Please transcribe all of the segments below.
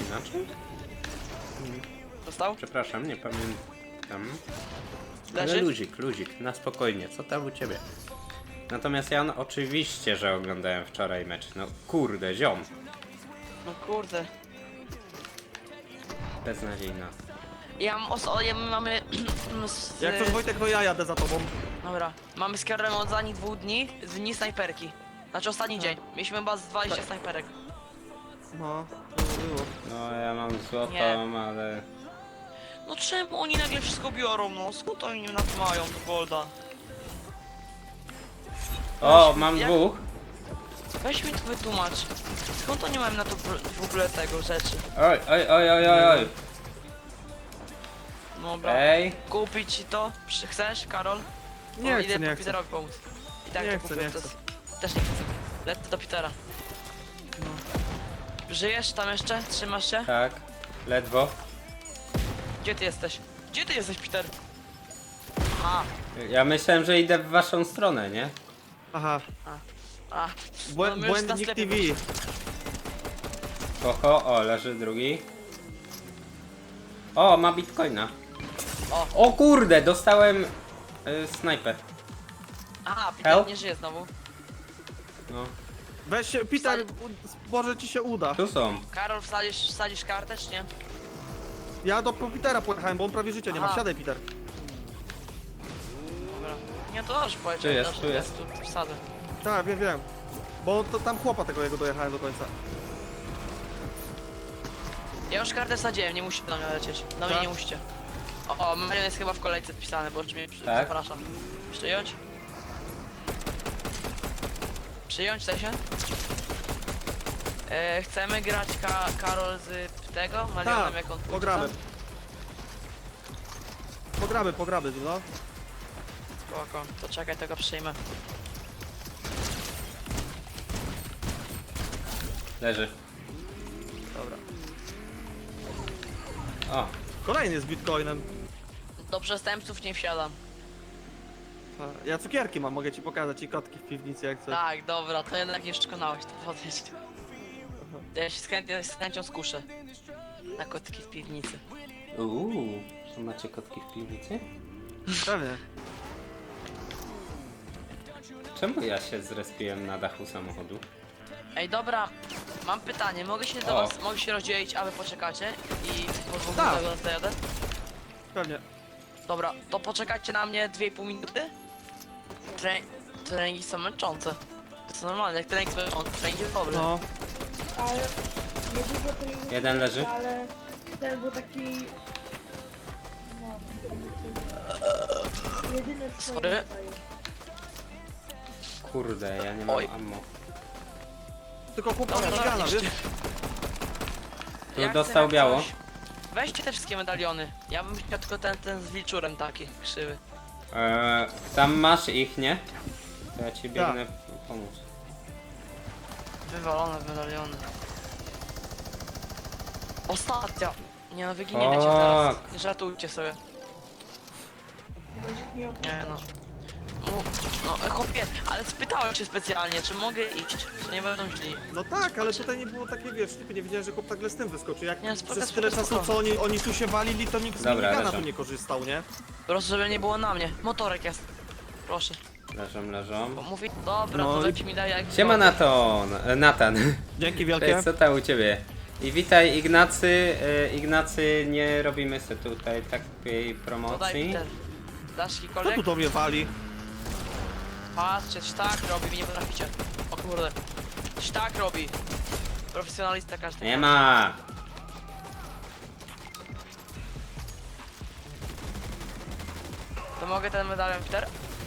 inaczej? Dostał? Przepraszam, nie pamiętam. Ale Leży? luzik, na spokojnie, co tam u ciebie? Natomiast ja oczywiście, że oglądałem wczoraj mecz. No kurde, ziom. No kurde. Beznadziejna. Mamy... Jak coś Wojtek, to ja jadę za tobą. Dobra, mamy z Karolem od ostatnich 2 dni snajperki. Znaczy ostatni dzień. Mieliśmy chyba z 20 snajperek. No, to było. No ja mam złotą, Nie. ale... No czemu oni nagle wszystko biorą, no? Skąd oni na to mają, to golda? O, mam Jak- dwóch. Weź mi to wytłumacz. Skąd oni mają na to w ogóle tego rzeczy? Oj. Dobra. Ej. Kupić ci to? Chcesz, Karol? Nie O, chcę, idę nie po chcę. Peterowi pomóc. I tak Nie to chcę, kupię, nie to chcę. też nie chcę. Lecę do Petera. Żyjesz tam jeszcze? Trzymasz się? Tak, ledwo. Gdzie ty jesteś? Gdzie ty jesteś, Peter? Aha. Ja myślałem, że idę w waszą stronę, nie? Aha, A. No, my już na błędnik sklepie TV. Oho, o, leży drugi. O, ma bitcoina. O. O kurde, dostałem snajper. Aha, Peter Help? nie żyje znowu. No, Weź się, Peter, może ci się uda. tu są. Karol, wsadzisz kartę, czy nie? Ja do Petera pojechałem, bo on prawie życia nie ma. Aha. Siadaj, Peter. Dobra. Nie, to dobrze powiedział. Tu jest, dobrze, tu jest. Tu wsadzę. Tak, wiem. Bo to tam chłopa tego jego dojechałem do końca. Ja już kartę wsadziłem, nie musicie do mnie lecieć. Do mnie Tak? nie musicie. O, Marion jest chyba w kolejce wpisany, bo już mnie Tak? zapraszam. Przyjąć? Przyjąć, chce się? Chcemy grać Karol z tego? Marionem, Tak, jak on pójdzie pogramy. tam? Pogramy, no. Spoko, to czekaj, tego przyjmę. Leży. Dobra. O, Kolejny z bitcoinem. Do przestępców nie wsiadam. Ja cukierki mam, mogę ci pokazać i kotki w piwnicy jak coś. Tak, dobra, to jednak nie przekonałeś, to podejść. Ja się z chęcią skuszę. Na kotki w piwnicy. to macie kotki w piwnicy? Pewnie. Czemu ja się zrespiłem na dachu samochodu? Ej, dobra, mam pytanie, mogę się rozdzielić, a wy poczekacie i po dwóch Tak. minutach dojadę? Pewnie. Dobra, to poczekajcie na mnie 2,5 minuty. Treningi są męczące. To jest normalne, jak trening jest męczący, trening jest dobry. No. Ale nie dużo treningu, Jeden leży. ale ten był taki... No, jedyny w swoim Sorry. rodzaju. Kurde, ja nie mam Oj. ammo. Tylko chłopak Dobra, na dobra, gana, jeszcze. wiesz? Tu Jak dostał jak biało. coś, weźcie te wszystkie medaliony. Ja bym chciał tylko ten z wilczurem taki, krzywy. Tam masz ich, nie? To ja ci biegnę pomóc. Wywalone medaliony. Ostatnia! Nie no, wyginiecie Tak. teraz. Nie żartujcie sobie. Będzie miał Nie no. No, chłopie, ale spytałem cię specjalnie, czy mogę iść, czy nie będą źli. No tak, ale tutaj nie było takie, wiesz, typy, nie wiedziałem, że chłop tak z tym wyskoczy. Jak Nie, spoko, przez spoko, tyle czasu, spoko. co oni tu się walili, to nikt z Dobra, minigana leżą. tu nie korzystał, nie? Po prostu, żeby nie było na mnie. Motorek jest. Proszę. Leżą. Bo mówi, dobra, No to i- dajcie mi daj jak... Siema Natan. Dzięki Cześć, wielkie. co tam u ciebie? I witaj Ignacy. Ignacy, nie robimy sobie tutaj takiej To daj promocji. Peter. Dasz Kto jakikolwiek? tu do mnie wali? Patrzcie, tak robi, wy nie potraficie. O kurde. Tak robi. Profesjonalista każdy. Nie ma. To mogę ten medalion, Peter?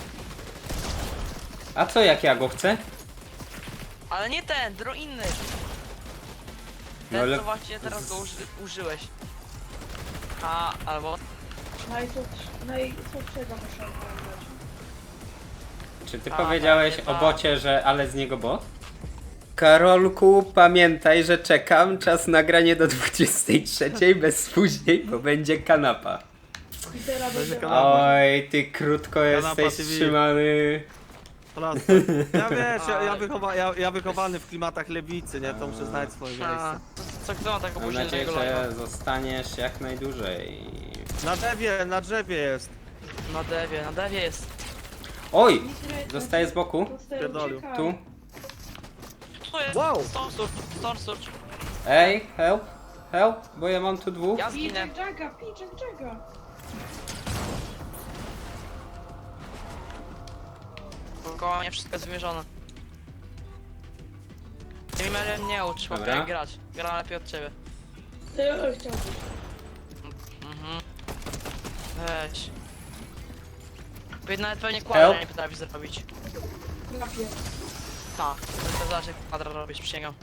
A co jak ja go chcę? Ale nie ten, inny. No Ten, ale- co właśnie teraz go użyłeś. A, albo... najsłabszego muszę oglądać. Czy ty A, powiedziałeś pewnie o tak. bocie, że ale z niego bot? Karolku, pamiętaj, że czekam. Czas nagranie do 23 bez później, bo będzie kanapa. Petera będzie kanał. Oj, ty krótko Kanapa jesteś TV. trzymany. Proste. Ja wiesz, ja wychowany w klimatach lewicy, nie? To muszę znać swoje A, miejsce. Co kto ma tak Mam opóźnionego nadzieję, live'a? że zostaniesz jak najdłużej. Na drzewie jest. Na dewie jest. Oj! Dostaję z boku. Pierdolił. Tu. Tu jest! Wow. Storm Surge. Ej, help! Help! Bo ja mam tu dwóch. Ja zginę. Pijek Jaga. Koło mnie wszystko jest wymierzone. Ty mi nie ucz, chłopie, Dobra. jak grać. Gra lepiej od ciebie. Ty chciałbyś. Mhm. Weź. Nawet pewnie Help. kwadra nie potrafi zrobić. Trafię. Tak, to zaraz jak kwadra robisz, przysięgam.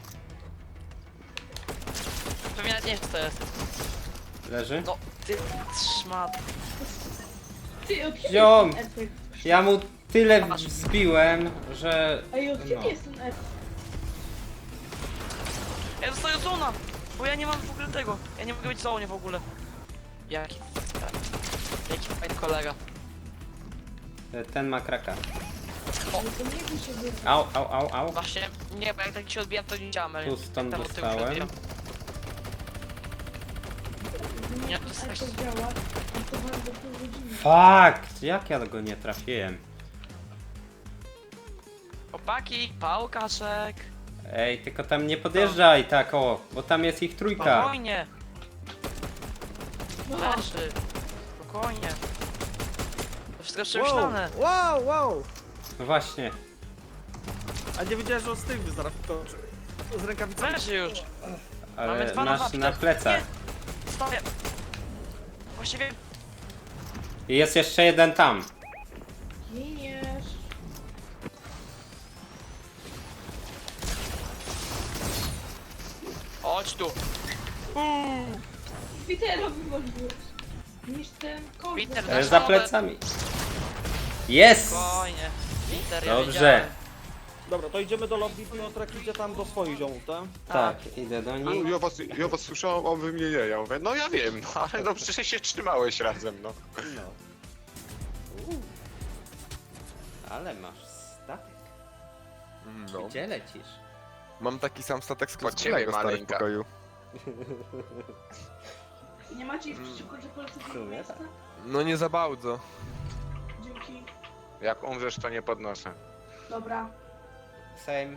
Pewnie nawet nie wiesz co to jest. Leży. No, ty szmat. Ty, od kiedy Ziom! jest ten efekt? Ja mu tyle zbiłem, że... Ej, od kiedy No. jest ten efekt? Ja dostaję zona! Bo ja nie mam w ogóle tego. Ja nie mogę być w zonie w ogóle. Jaki fajny kolega. Ten ma kraka. Ale to nie by się wybrać. Au. Właśnie, nie, bo jak tak się odbijam, to nie działam. ale Tu stąd tam od tyłu się dostałem. odbijam. Nie, Nie, ten to jest efekt działa. To bardzo pół godziny. Fakt! Jak ja go nie trafiłem? Chłopaki, pałkaszek. Ej, tylko tam nie podjeżdżaj tak o, bo tam jest ich trójka. Spokojnie. No, Leży. Spokojnie. To wszystko jest przemyślane. Wow. No właśnie. A nie wiedziałem, że on z tym zaraz to z rękawicami. Leży już. Mamy Ale dwa na masz mapce. na plecach. Nie. Stawię. Właściwie I jest jeszcze jeden tam. giniesz. chodź tu. Petera wywaliłeś. Niż ten kosz. Peter, został. Za plecami. Jest! Spokojnie. Peter, ja Dobrze. wiedziałem. Dobra, to idziemy do lobby, Piotrek idzie tam do swoich ziomów, tak? Tak, idę do nich. Ja was słyszałem, a wy mnie nie. Ja mówię, no ja wiem, no ale no przecież się trzymałeś razem, no. No. Ale masz statek. No. Gdzie lecisz? Mam taki sam statek z Pod ciebie, Klockulego stary w maleńka. pokoju. Nie macie nic przeciwko, że polecę w do sumie miejsca? tak. No nie za bardzo. Dzięki. Jak umrzesz, to nie podnoszę. Dobra. Same.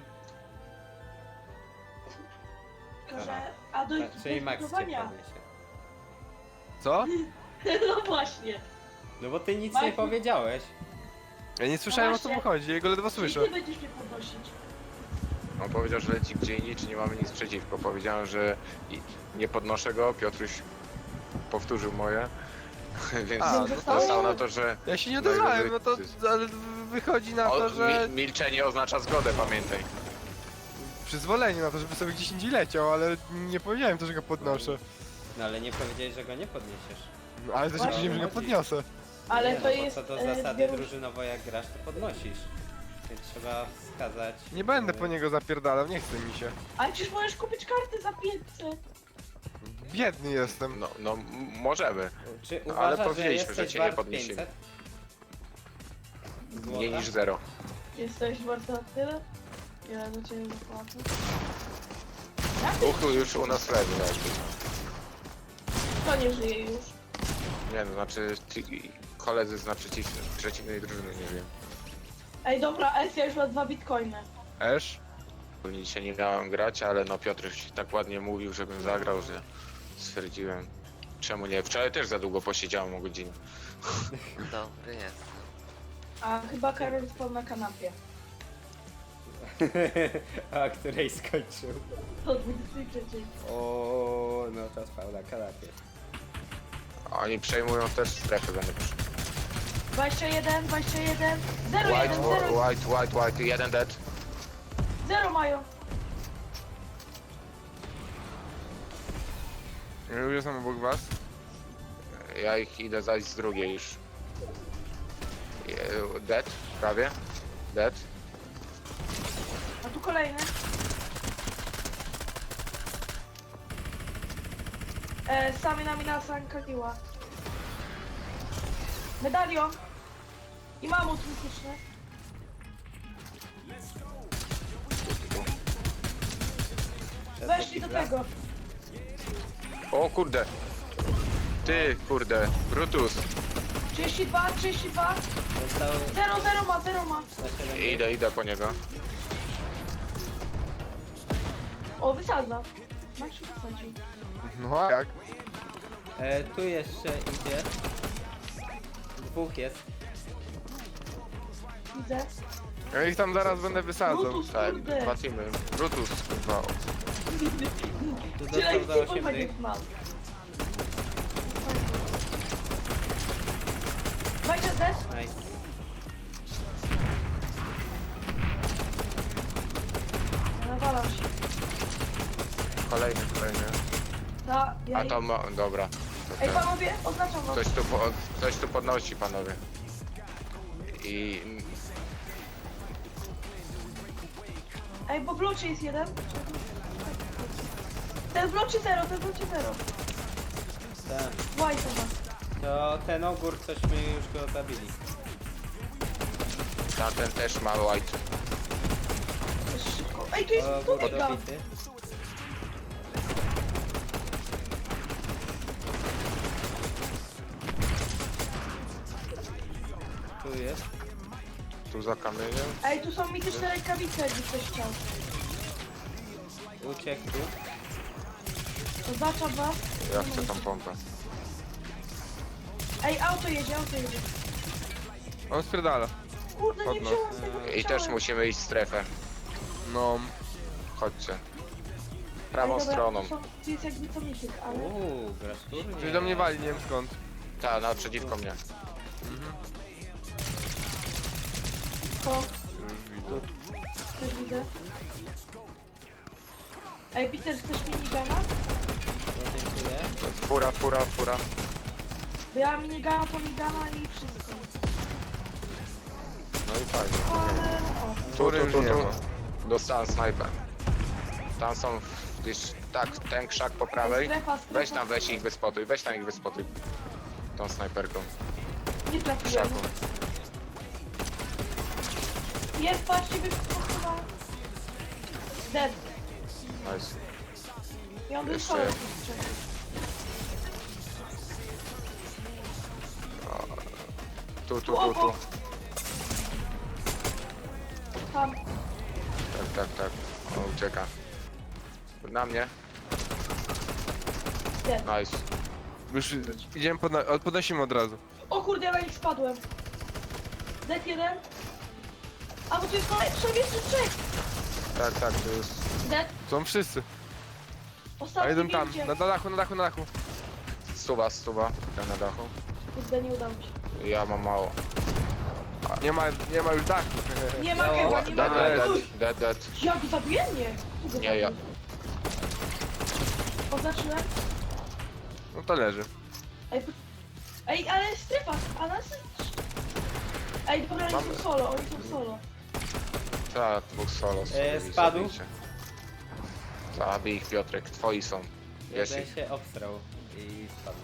Tylko, że... A do Czyli Max cię budowania. podniesie. Co? No właśnie. No bo ty nic Max- nie powiedziałeś. Ja nie słyszałem o co mu właśnie. chodzi, jego ledwo Czyli słyszę. ty będziesz mnie podnosić. On powiedział, że leci gdzie indziej, czy nie mamy nic przeciwko. Powiedziałem, że nie podnoszę go, Piotruś powtórzył moje. Więc A, no to- dostał na to, że Ja się nie odezwałem, no to ale wychodzi na to, że milczenie oznacza zgodę, pamiętaj. przyzwolenie na to, żeby sobie gdzieś indziej leciał, ale nie powiedziałem to, że go podnoszę. No ale nie powiedziałeś, że go nie podniesiesz. No, ale też nie Właśnie. powiedziałem, że go podniosę. Ale nie, to no, jest... bo co do e, zasady zbiór- drużynowo jak grasz, to podnosisz. Więc trzeba wskazać... Nie będę po niego zapierdalał, nie chce mi się. Ale przecież możesz kupić kartę za 500. Biedny jestem. No, możemy. Czy No, ale uważasz, że powiedzieliśmy, że jesteś cię nie wart podniesiemy. 500? Złota? Mniej niż 0. Jesteś warta tyle? Ja do ciebie zapłacę. Uchu już u nas leży. To nie żyje już. Nie, no znaczy koledzy z przeciwnej drużyny, nie wiem. Ej, dobra, Elfia już ma 2 bitcoiny. Esz? Pewnie dzisiaj nie miałem grać, ale no Piotruś tak ładnie mówił, żebym zagrał, że stwierdziłem, czemu nie. Wczoraj też za długo posiedziałem o godzinę. Dobry jest. A chyba Karol spał na kanapie. A której skończył? O 23. O, no to spał na kanapie. Oni przejmują też strefę, będę przy... 21, 0, 1, 0, White, jeden dead. 0 mają. Ja już jestem obok was. Ja ich idę zajść z drugiej już. Dead, prawie. Dead. A tu kolejny. Sami nami na Sankagiła. Medalion. I mamut mityczny. Weszli do tego. O kurde. Ty, kurde. Brutus. 32, 32. Został 0 ma, 0 ma. na 7. Idę po niego. O, wysadza. Max wysadzi. No a jak? Tu jeszcze idzie. Dwóch jest. Widzę. Ja ich tam zaraz będę wysadzał. Brutus, Tak, kurde. dwa teamy. Brutus, kurwa. Tu Tyle dostał za ich 8 nie dych. mam. Dajcie też. Nice. Nawalam się. Kolejny. Ta, ja A to ma... dobra. Ej, panowie, oznaczam wam. Ktoś tu podnosi, panowie. I... Ej, bo w locie jest jeden. Ten w locie 0, ten w locie 0. Tak. White ma. To ten ogór cośmy już go zabili. Tamten też ma white. To jest szybko. Ej, tu jest Ogór tunika. dobity. Tu jest. Tu za kamieniem. Ej, tu są mityczne rękawice, jakby ktoś chciał. Uciekł tu. Oznaczam was. Ja chcę tą pompę. Ej, auto jedzie, auto jedzie. On spierdala. Kurde, nie Podnoś. wziąłem tego, co I też chciałem. musimy iść w strefę. No. Chodźcie. Ej, Prawą dobra, stroną. Tu jest jakby to mityk, ale... Grasz turniej. Ktoś do mnie wali, nie wiem skąd. Ta, naprzeciwko mnie. To, też widzę. Ej, Peter, chcesz minigana? No, dziękuję. Fura. Bo ja mam minigana, to minigana i wszystko. No i fajnie. Ale... O. Tury już nie ma. Dostałem snajper. Tam są gdzieś, tak, ten krzak po prawej. Strefa. Weź ich wyspotuj, tą snajperką. Nie W trafiłem. krzaku. Jest, patrzcie, wyskoczyła. Dead. Nice. I on był Jeszcze szalony. jeden. Tu. Tam. Tak. On ucieka. Na mnie. Dead. Nice. Już idziemy, podnosimy od razu. O kurde, ja na nich spadłem. Dead jeden. A bo tu jest jeszcze trzech. Tak, to jest... Dead. Są wszyscy. A Ostatni jeden tam, widzicie. na dachu. Stuwa, ja na dachu. Kurde, nie udało mi się. Ja mam mało. Nie ma już dachu. Nie ma chyba, nie ma Dead. Ja go zabiję? Nie. Kto go Nie, ja. zabił? Oznaczyłem. No to leży. Ej, ale strefa, a nas... Ej, dobra, oni Mamy. są solo, oni są solo. Tak, dwóch solo. spadł. Zabij ich, Piotrek, twoi są. Wiesz Jeden ich. się obstrał i spadł.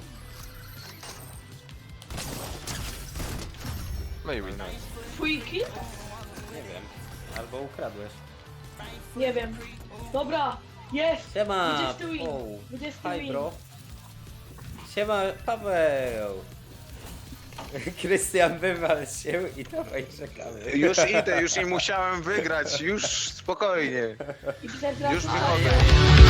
No i win. Twój kill? Nie wiem. Albo ukradłeś. Nie wiem. Dobra, jest! Siema! 20 win. O, 20 hi win. bro. Siema Paweł. Krystian, wywal się i dawaj czekamy. Już idę, już nie musiałem wygrać, już spokojnie. I Peter teraz... Już wychodzę.